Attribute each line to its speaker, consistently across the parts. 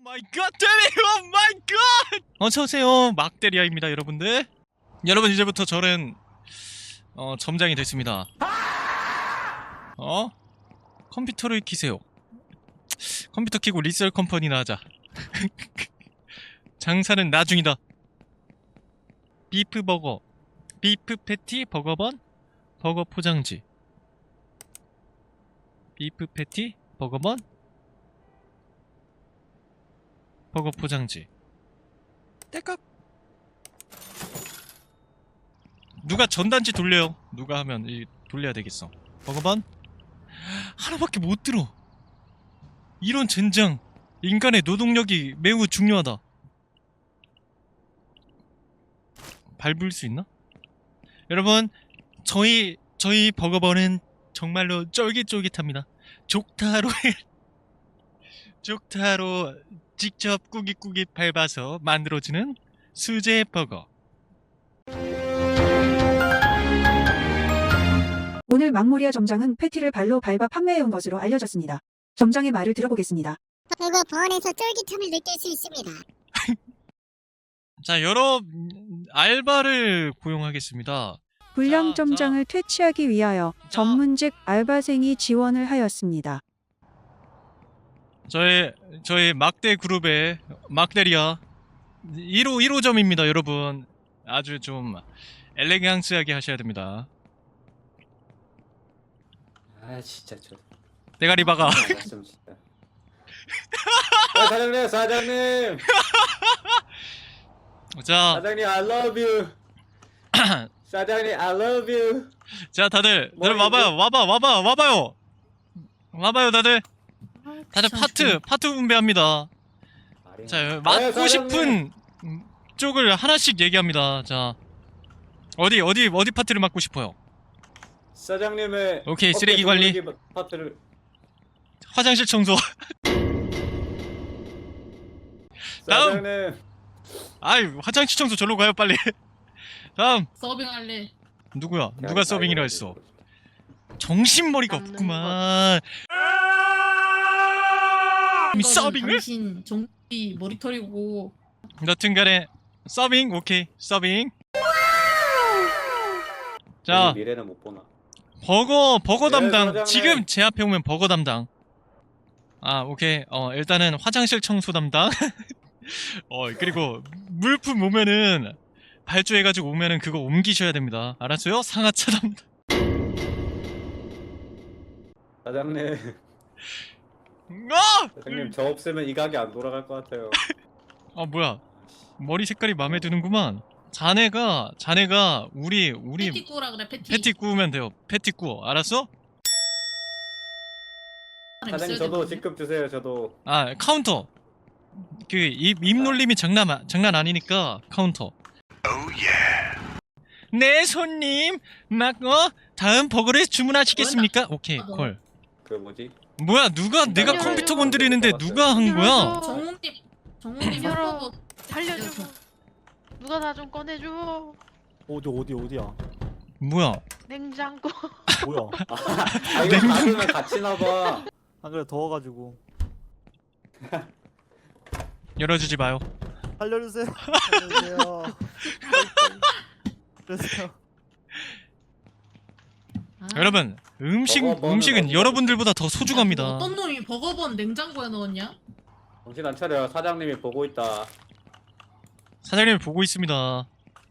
Speaker 1: 마이 갓, 오 마이 갓! 어서오세요, 막대리아입니다, 여러분들. 여러분, 이제부터 저는 점장이 됐습니다. 컴퓨터를 키세요. 컴퓨터 키고 리셀 컴퍼니나 하자. 장사는 나중이다. 비프 버거, 비프 패티 버거번, 버거 포장지. 비프 패티 버거번, 버거 포장지. 떼깍. 누가 전단지 돌려요. 누가 하면 돌려야 되겠어. 버거번 하나밖에 못 들어. 이런 젠장. 인간의 노동력이 매우 중요하다. 밟을 수 있나? 여러분, 저희 버거번은 정말로 쫄깃쫄깃합니다. 족타로 직접 꾸깃꾸깃 밟아서 만들어지는 수제 버거.
Speaker 2: 오늘 막모리아 점장은 패티를 발로 밟아 판매해온 것으로 알려졌습니다. 점장의 말을 들어보겠습니다.
Speaker 3: 버거 번에서 쫄깃함을 느낄 수 있습니다.
Speaker 1: 자, 여러 알바를 고용하겠습니다.
Speaker 2: 불량
Speaker 1: 자.
Speaker 2: 점장을 퇴치하기 위하여 전문직 알바생이 지원을 하였습니다.
Speaker 1: 저희 막대 그룹의 막대리아 1호점입니다, 여러분. 아주 좀 엘레강스하게 하셔야 됩니다.
Speaker 4: 아 진짜 저
Speaker 1: 대가리 박아.
Speaker 4: 좀 진짜. 사장님
Speaker 1: 자,
Speaker 4: 사장님 I love you. 사장님 I love you.
Speaker 1: 자, 다들
Speaker 4: 머리
Speaker 1: 와봐요. 와봐요, 다들 파트 분배합니다. 자, 맡고
Speaker 4: 사장님.
Speaker 1: 싶은 쪽을 하나씩 얘기합니다. 자, 어디 파트를 맡고 싶어요?
Speaker 4: 사장님의
Speaker 1: 오케이,
Speaker 4: 어깨
Speaker 1: 쓰레기 관리.
Speaker 4: 돌리기 파트를.
Speaker 1: 화장실 청소. 다음.
Speaker 4: 사장님
Speaker 1: 아이, 화장실 청소 절로 가요, 빨리. 다음.
Speaker 5: 서빙할래.
Speaker 1: 누구야? 누가 서빙이라 했어? 정신머리가 없구만. 서빙을?
Speaker 5: 당신 정비 머리털이고.
Speaker 1: 여튼간에 서빙, 오케이, 서빙. 자,
Speaker 4: 미래는 못 보나.
Speaker 1: 버거
Speaker 4: 네,
Speaker 1: 담당.
Speaker 4: 사장님.
Speaker 1: 지금 제 앞에 오면 버거 담당. 아, 오케이. 일단은 화장실 청소 담당. 그리고 물품 오면은 발주해가지고 오면은 그거 옮기셔야 됩니다. 알았어요? 상하차 담당.
Speaker 4: 사장님 사장님 저 없으면 이 가게 안 돌아갈 것 같아요.
Speaker 1: 뭐야? 머리 색깔이 마음에 드는구만. 자네가 우리
Speaker 5: 패티 구우라 그래.
Speaker 1: 패티 구우면 돼요. 패티 구워. 알았어?
Speaker 4: 사장님 저도 직급 주세요. 저도.
Speaker 1: 카운터. 그 입놀림이 장난 아니니까 카운터. 네, 손님. 다음 버거를 주문하시겠습니까? 오케이, 콜.
Speaker 4: 그 뭐지?
Speaker 1: 뭐야, 내가
Speaker 3: 열어요.
Speaker 1: 컴퓨터 건드리는데 누가 한 거야?
Speaker 5: 정훈님
Speaker 3: 열어.
Speaker 5: 햄버거
Speaker 3: 살려줘. 누가 나 좀 꺼내줘.
Speaker 6: 어디야?
Speaker 1: 뭐야?
Speaker 3: 냉장고.
Speaker 6: 뭐야?
Speaker 4: 이거 닫으면 갇히나 봐.
Speaker 6: 안 그래 더워가지고.
Speaker 1: 열어주지 마요.
Speaker 6: 살려주세요. 살려주세요. 그래서요.
Speaker 1: 여러분,
Speaker 4: 버거번은
Speaker 1: 음식은
Speaker 4: 어디가
Speaker 1: 여러분들보다 더 소중합니다.
Speaker 5: 어떤 놈이 버거번 냉장고에 넣었냐?
Speaker 4: 정신 안 차려. 사장님이 보고 있다.
Speaker 1: 사장님이 보고 있습니다.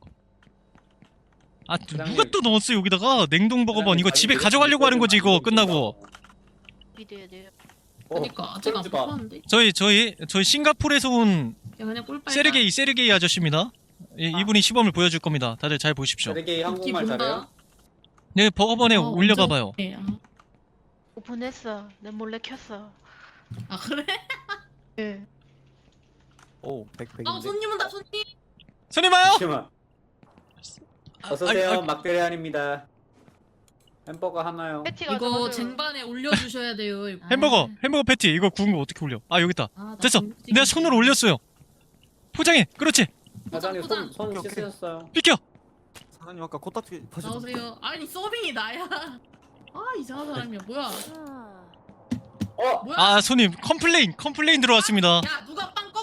Speaker 1: 누가 또 넣었어 여기다가? 냉동 버거번. 이거 집에 가져가려고 하는 거지, 이거 끝나고.
Speaker 3: 믿어야 돼요.
Speaker 5: 그러니까 아직 안
Speaker 4: 쫄지 마.
Speaker 5: 뽑았는데.
Speaker 1: 저희 싱가포르에서 온
Speaker 5: 야 그냥 꿀빨.
Speaker 1: 세르게이 아저씨입니다. 이분이 시범을 보여줄 겁니다. 다들 잘 보십시오.
Speaker 4: 세르게이 한국말 잘해요?
Speaker 1: 네, 버거번에 올려봐봐요.
Speaker 3: 오픈했어. 내 몰래 켰어.
Speaker 5: 아 그래?
Speaker 3: 예.
Speaker 6: 오, 100.
Speaker 5: 손님 온다 손님.
Speaker 1: 손님 와요.
Speaker 4: 잠시만. 어서오세요. 막대리안입니다. 햄버거 하나요?
Speaker 3: 패티가
Speaker 5: 이거 쟁반에 올려주셔야 돼요. 이거.
Speaker 1: 햄버거 패티. 이거 구운 거 어떻게 올려? 여기 있다.
Speaker 5: 나
Speaker 1: 됐어.
Speaker 5: 정직이
Speaker 1: 내가 손으로 올렸어요. 포장해. 그렇지.
Speaker 4: 사장님
Speaker 5: 포장.
Speaker 4: 손
Speaker 6: 오케이.
Speaker 4: 씻으셨어요.
Speaker 1: 비켜.
Speaker 6: 사장님 아까 코딱지 파셨어.
Speaker 5: 나오세요. 아니 서빙이 나야. 이상한 사람이야. 뭐야?
Speaker 4: 어?
Speaker 5: 뭐야?
Speaker 1: 손님 컴플레인 들어왔습니다.
Speaker 5: 야 누가 빵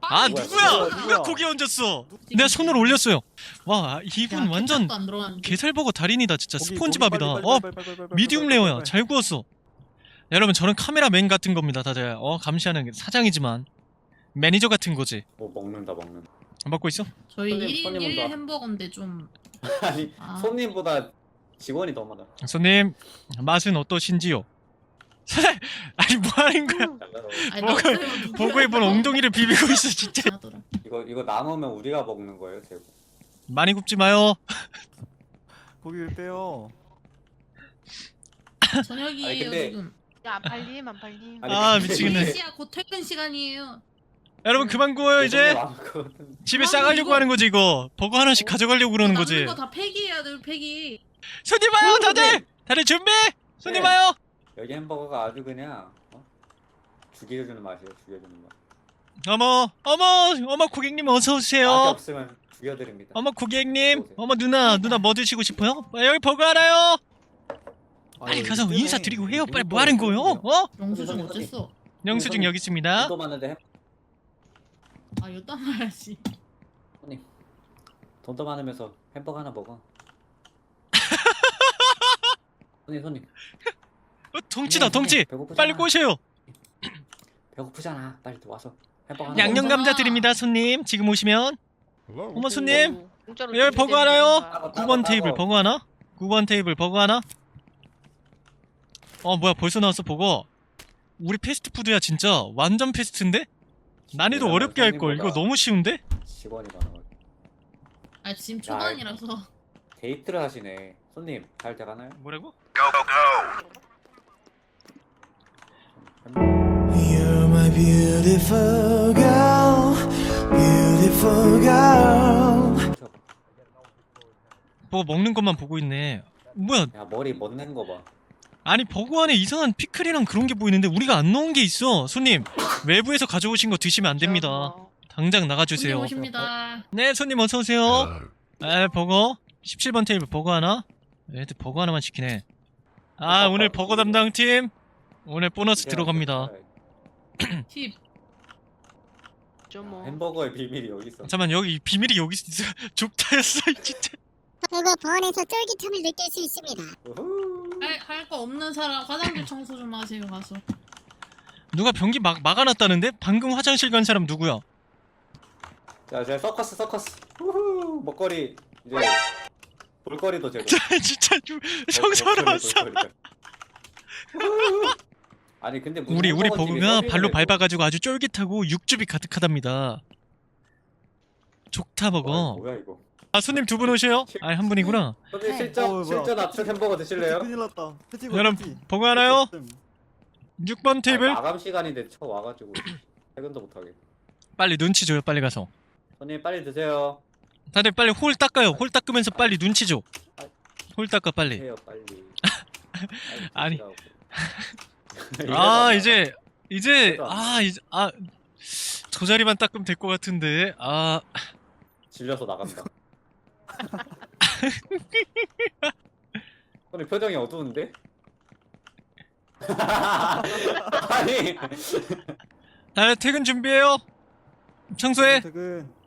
Speaker 1: 아
Speaker 5: 빵이
Speaker 1: 누구야?
Speaker 4: 누구야?
Speaker 1: 누가 고기 얹었어? 내가 손을 올렸어요. 와 이분 완전
Speaker 5: 안 들어갔는데.
Speaker 1: 게살버거 달인이다 진짜.
Speaker 6: 고기,
Speaker 1: 스폰지밥이다.
Speaker 6: 고기
Speaker 1: 어
Speaker 6: 빨리, 빨리, 빨리,
Speaker 1: 미디움
Speaker 6: 빨리,
Speaker 1: 레어야.
Speaker 6: 빨리.
Speaker 1: 잘 구웠어. 여러분 저는 카메라맨 같은 겁니다 다들. 감시하는 사장이지만 매니저 같은 거지.
Speaker 4: 먹는다.
Speaker 1: 안 받고 있어?
Speaker 5: 저희
Speaker 4: 손님,
Speaker 5: 1인
Speaker 4: 손님
Speaker 5: 1
Speaker 4: 온다.
Speaker 5: 햄버거인데 좀
Speaker 4: 아니
Speaker 5: 아.
Speaker 4: 손님보다 직원이 더 많아.
Speaker 1: 손님 맛은 어떠신지요? 사장 아니 뭐 하는 거야?
Speaker 5: 아니,
Speaker 1: 뭐가-
Speaker 5: 나왔어요.
Speaker 1: 보고에 본 엉덩이를 비비고 있어 진짜.
Speaker 5: 하더라.
Speaker 4: 이거 남으면 우리가 먹는 거예요, 제고.
Speaker 1: 많이 굽지 마요.
Speaker 6: 고기를 빼요.
Speaker 5: 저녁이에요
Speaker 4: 아니, 근데-
Speaker 5: 지금.
Speaker 3: 야, 안 팔림, 안 팔림.
Speaker 4: 아니,
Speaker 1: 아,
Speaker 4: 근데
Speaker 1: 미치겠네.
Speaker 5: 4시야 곧 퇴근 시간이에요.
Speaker 1: 여러분 그만 구워요 이제.
Speaker 4: 남을 것 같은데.
Speaker 1: 집에
Speaker 5: 아,
Speaker 1: 싸가려고
Speaker 5: 이거-
Speaker 1: 하는 거지 이거. 버거 하나씩 가져가려고 그러는 거지.
Speaker 5: 남는 거다 폐기해야 돼 폐기.
Speaker 1: 손님 와요 다들. 다들 준비. 손님
Speaker 4: 네.
Speaker 1: 와요.
Speaker 4: 여기 햄버거가 아주 그냥 죽여주는 맛이에요. 죽여주는 맛.
Speaker 1: 어머 고객님 어서
Speaker 4: 맛이
Speaker 1: 오세요.
Speaker 4: 없으면 죽여드립니다.
Speaker 1: 어머 고객님.
Speaker 4: 오세요.
Speaker 1: 어머 누나 뭐 드시고 싶어요? 여기 버거 하나요. 빨리
Speaker 6: 아유,
Speaker 1: 가서
Speaker 6: 이때네.
Speaker 1: 인사드리고 해요. 빨리
Speaker 6: 이거
Speaker 1: 뭐 하는 거예요?
Speaker 5: 영수증
Speaker 4: 선생님,
Speaker 5: 어땠어?
Speaker 1: 영수증 여기 있습니다.
Speaker 4: 돈 많은데
Speaker 5: 아 이따 말야지.
Speaker 4: 손님 돈도 많으면서 햄버거 하나 먹어. 손님
Speaker 1: 덩치다 덩치.
Speaker 4: 배고프잖아.
Speaker 1: 빨리 꼬셔요.
Speaker 4: 배고프잖아. 빨리 와서 햄버거 하나
Speaker 1: 양념
Speaker 4: 먹어.
Speaker 1: 감자 드립니다 손님. 지금 오시면. 어머 손님.
Speaker 3: 공짜로
Speaker 1: 여기 버거 하나요?
Speaker 4: 따로,
Speaker 1: 9번
Speaker 4: 따로.
Speaker 1: 테이블 버거 하나? 9번 테이블 버거 하나? 뭐야 벌써 나왔어 버거. 우리 패스트푸드야 진짜. 완전 패스트인데? 난이도
Speaker 4: 왜냐면
Speaker 1: 어렵게 할걸. 이거
Speaker 4: 손님보다
Speaker 1: 너무 쉬운데?
Speaker 4: 직원이 많아가지고
Speaker 5: 아 지금 초반이라서.
Speaker 4: 데이트를 하시네. 손님 잘 돼가나요?
Speaker 1: 뭐라고?
Speaker 7: You're my beautiful girl, beautiful girl.
Speaker 1: 버거 먹는 것만 보고 있네. 뭐야
Speaker 4: 야 머리 멋낸 거 봐.
Speaker 1: 아니 버거 안에 이상한 피클이랑 그런 게 보이는데 우리가 안 넣은 게 있어. 손님 외부에서 가져오신 거 드시면 안 됩니다. 당장 나가주세요.
Speaker 5: 손님 오십니다.
Speaker 1: 네 손님 어서오세요. 버거 17번 테이블 버거 하나. 애들 버거 하나만 시키네. 오늘 버거 담당팀 오늘 보너스 들어갑니다.
Speaker 5: 팁.
Speaker 3: 좀
Speaker 4: 햄버거의 비밀이 여기 있어.
Speaker 1: 잠깐만 여기 비밀이 여기 있어. 좁다였어 진짜.
Speaker 8: 그리고 보안에서 쫄깃함을 느낄 수 있습니다.
Speaker 4: 우후.
Speaker 5: 할 거 없는 사람 화장실 청소 좀 하세요 가서.
Speaker 1: 누가 변기 막아놨다는데? 방금 화장실 간 사람 누구야?
Speaker 4: 자, 이제 서커스. 우후. 먹거리 이제 볼거리도 제거.
Speaker 1: 진짜 청소하러 왔어.
Speaker 4: 아니 근데 무슨
Speaker 1: 우리
Speaker 4: 햄버거집이
Speaker 1: 버거가
Speaker 4: 서빙을
Speaker 1: 발로
Speaker 4: 해도-
Speaker 1: 밟아가지고 아주 쫄깃하고 육즙이 가득하답니다. 족타
Speaker 4: 와,
Speaker 1: 버거.
Speaker 4: 뭐야 이거?
Speaker 1: 손님 두 분 오세요? 한 분이구나.
Speaker 4: 손님
Speaker 5: 네.
Speaker 4: 실전 압축 햄버거 드실래요?
Speaker 6: 큰일 났다.
Speaker 1: 여러분 버거 하나요? 6번 테이블.
Speaker 4: 마감 시간인데 쳐 와가지고 퇴근도 못하게.
Speaker 1: 빨리 눈치 줘요. 빨리 가서.
Speaker 4: 손님 빨리 드세요.
Speaker 1: 다들 빨리 홀 닦아요. 홀 닦으면서 빨리 눈치 줘. 홀 닦아 빨리.
Speaker 4: 해요 빨리.
Speaker 1: 아니.
Speaker 4: 드시라고.
Speaker 1: 이제
Speaker 4: 그래도 안
Speaker 1: 저 자리만 닦으면 될 것 같은데.
Speaker 4: 질려서 나간다. 손님 표정이 어두운데? 아니
Speaker 1: 다들 퇴근 준비해요. 청소해.
Speaker 6: 퇴근.